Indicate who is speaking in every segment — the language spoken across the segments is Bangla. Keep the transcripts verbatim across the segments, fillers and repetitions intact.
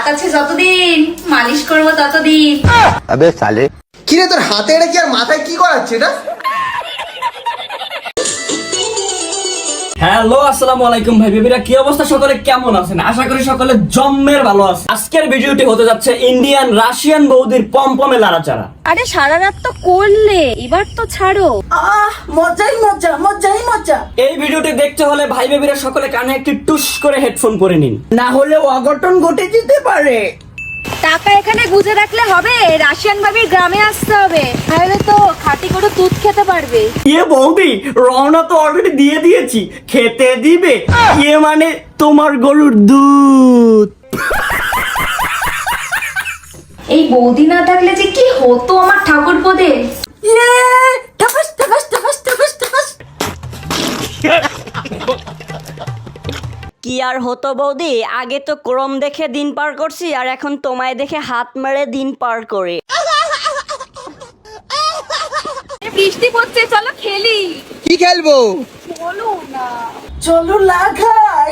Speaker 1: হাত আছে যতদিন মালিশ করবো ততদিন।
Speaker 2: আবে সালে
Speaker 3: কি রে তোর হাতে এটা কি আর মাথায় কি করাচ্ছে এটা?
Speaker 4: হ্যালো আসসালামু আলাইকুম ভাই বেবিরা, কি অবস্থা সকলে, কেমন আছেন? আশা করি সকলে জম্মের ভালো আছে। আজকের ভিডিওটি হতে যাচ্ছে ইন্ডিয়ান রাশিয়ান বৌদির পমপমে লাড়াচাড়া।
Speaker 1: আরে সারা রাত তো করলে, এবার তো ছাড়ো।
Speaker 5: আহ মজাই মজা মজাই মজা।
Speaker 4: এই ভিডিওটি দেখতে হলে ভাই বেবিরা সকলে কানে একটি টুস করে হেডফোন পরে নিন,
Speaker 5: না হলে অঘটন ঘটে যেতে পারে।
Speaker 1: টাকা এখানে গুজে রাখলে হবে? রাশিয়ান ভাবির গ্রামে আসতে হবে, তাহলে তো খাঁটি করে দুধ খেতে পারবে।
Speaker 4: ইয়ে বৌদি, রওনা তো অলরেডি দিয়ে দিয়েছি, খেতে দিবে? ইয়ে মানে তোমার গরুর দুধ।
Speaker 1: এই বৌদি না থাকলে যে কি হতো আমার ঠাকুর পদে।
Speaker 5: ইয়ে ঠাকাস ঠাকাস ঠাকাস ঠাকাস ঠাকাস।
Speaker 6: কি আর হতো বৌদি, আগে তো ক্রম দেখে দিন পার করছি, আর এখন তোমায় দেখে হাত মেরে দিন পার করে।
Speaker 1: বৃষ্টি পড়ছে, চলো খেলি।
Speaker 3: কি খেলবো?
Speaker 1: বলো না।
Speaker 5: চলো লাগাই।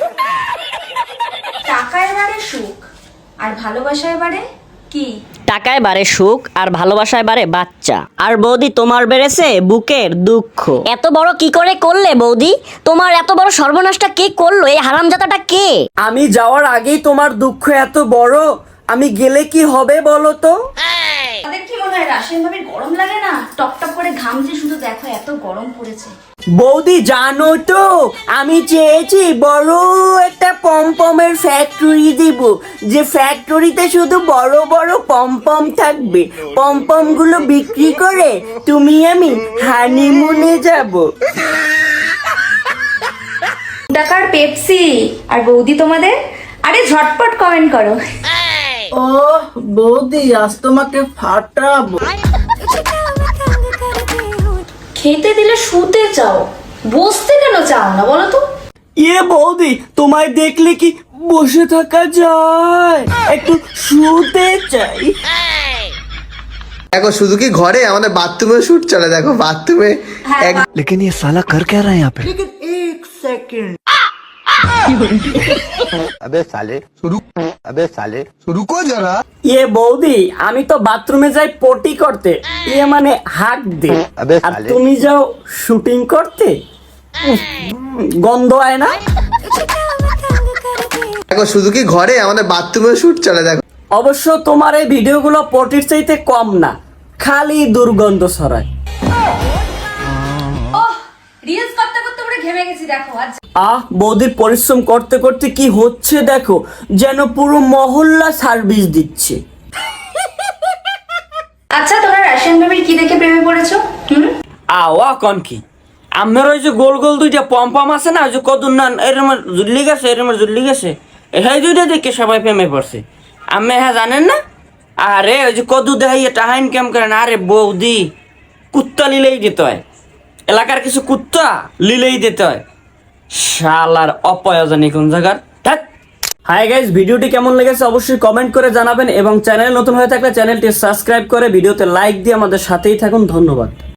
Speaker 1: টাকা এবারে সুখ আর ভালোবাসা এবারে কি?
Speaker 6: টাকায় বাড়ে সুখ আর ভালোবাসায় বাড়ে বাচ্চা। আর বৌদি তোমার বেড়েছে বুকের দুঃখ। এত বড় কি করে করলে বৌদি? তোমার এত বড় সর্বনাশটা কে করলো? এই হারামজাদাটা কে?
Speaker 4: আমি যাওয়ার আগেই তোমার দুঃখ এত বড়, আমি গেলে কি হবে বলো তো?
Speaker 1: তাদের কি মনে হয় রাশিয়ান ভাবির গরম লাগে না? টপ টপ করে ঘামছে, শুধু দেখো এত গরম পড়েছে।
Speaker 4: বৌদি জানো তো, আমি চেয়েছি বড় একটা পমপমের ফ্যাক্টরি দিব, যে ফ্যাক্টরিতে শুধু বড় বড় পমপম থাকবে। পমপম গুলো বিক্রি করে তুমি আমি হানিমুনে যাব।
Speaker 1: টাকার পেপসি আর বৌদি তোমাদের। আরে ঝটপট কমেন্ট করো।
Speaker 5: ও বৌদি আজ তোমাকে ফাটাবো।
Speaker 1: খেতে দিলে শুতে চাও, বসতে কেন চাও না বলো তো?
Speaker 4: ইয়ে বৌদি, তোমায় দেখলে কি বসে থাকা যায়? একটু শুতে চাই।
Speaker 3: দেখো শুধু কি ঘরে, আমাদের বাথরুমে শুট চলে। দেখো বাথরুমে এক
Speaker 2: लेकिन ये साला कर क्या रहा है यहाँ पे?
Speaker 5: এক সেকেন্ড।
Speaker 2: अबे साले रुक अबे साले रुको जरा।
Speaker 4: ইয়ে বৌদি, আমি তো বাথরুমে যাই পটি করতে, ইয়ে মানে হাত দে।
Speaker 2: আবে
Speaker 4: আর
Speaker 2: সালে।
Speaker 4: তুমি যাও শুটিং করতে। উফ, গন্ধ হয় না?
Speaker 3: দেখো শুধু কি ঘরে, আমাদের বাথরুমে শুট চলে। দেখো
Speaker 4: অবশ্য তোমার এই ভিডিওগুলো পটির চাইতে কম না, খালি দুর্গন্ধ ছড়ায়।
Speaker 1: ওহ, রিলস করতে করতে পুরো ঘেমে গেছি দেখো আজ।
Speaker 4: আহ বৌদির পরিশ্রম করতে করতে কি হচ্ছে দেখো, যেন পুরো মহল্লা সার্ভিস দিচ্ছে।
Speaker 1: আচ্ছা, তোমরা রাশিয়ান ভাবির কি দেখে প্রেমে পড়েছো? হুম,
Speaker 4: আওয়া কন কি, আমার ওই যে গোল গোল দুইটা পম্পম আছে না, ওই যে কদুর নান এরম জুল্লি গেছে, এরম জুল্লি গেছে, এই দুইটা দেখে সবাই প্রেমে পড়ছে। আমি হ্যাঁ জানেন না? আরে ওই যে কদু দেখাইয়ে টাহাইন কেম করেন। আরে বৌদি, কুত্তা লিলেই দিতে হয়, এলাকার কিছু কুত্তা লিলেই দিতে হয়। শালার অপয়োজনী কোন জায়গার। হাই গাইস, ভিডিওটি কেমন লেগেছে অবশ্যই কমেন্ট করে জানাবেন, এবং চ্যানেল নতুন হয়ে থাকলে চ্যানেলটি সাবস্ক্রাইব করে ভিডিওতে লাইক দিয়ে আমাদের সাথেই থাকুন। ধন্যবাদ।